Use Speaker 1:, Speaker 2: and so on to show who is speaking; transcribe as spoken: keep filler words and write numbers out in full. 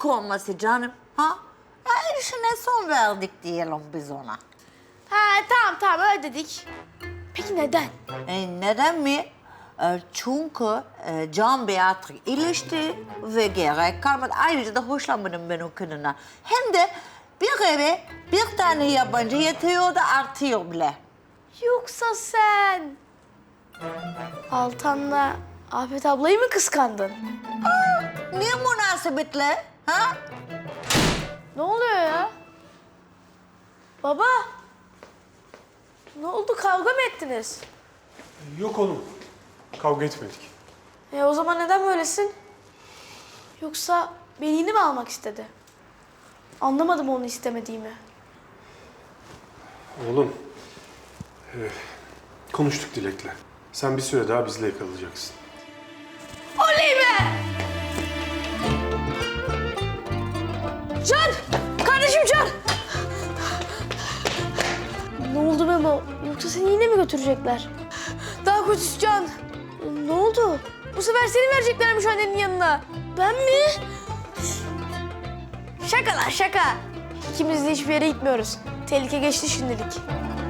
Speaker 1: olması canım. Ha? Ya işine son verdik diyelim biz ona.
Speaker 2: Ha tamam tamam öyle dedik. Peki neden?
Speaker 1: E, neden mi? E, çünkü e, Can Beatrix ilişti ve gerek kalmadı. Ayrıca da hoşlanmadım ben o kadından. Hem de bir eve bir tane yabancı yetiyor da artıyor bile.
Speaker 2: Yoksa sen Altan'la Afet ablayı mı kıskandın?
Speaker 1: Niye münasebetle? Ha?
Speaker 2: Ne oluyor ya? Baba. Ne oldu, kavga mı ettiniz?
Speaker 3: Yok oğlum. Kavga etmedik.
Speaker 2: E o zaman neden böylesin? Yoksa benini mi almak istedi? Anlamadım onu istemediğimi.
Speaker 3: Oğlum. e, konuştuk Dilek'le. Sen bir süre daha bizle kalacaksın.
Speaker 2: Oley be! Can! Kardeşim Can! Ne oldu Memo? Yoksa seni yine mi götürecekler? Daha kötüsü Can. Ne oldu? Bu sefer seni vereceklermiş annenin yanına. Ben mi? Şaka lan şaka. İkimiz de hiçbir yere gitmiyoruz. Tehlike geçti şimdilik.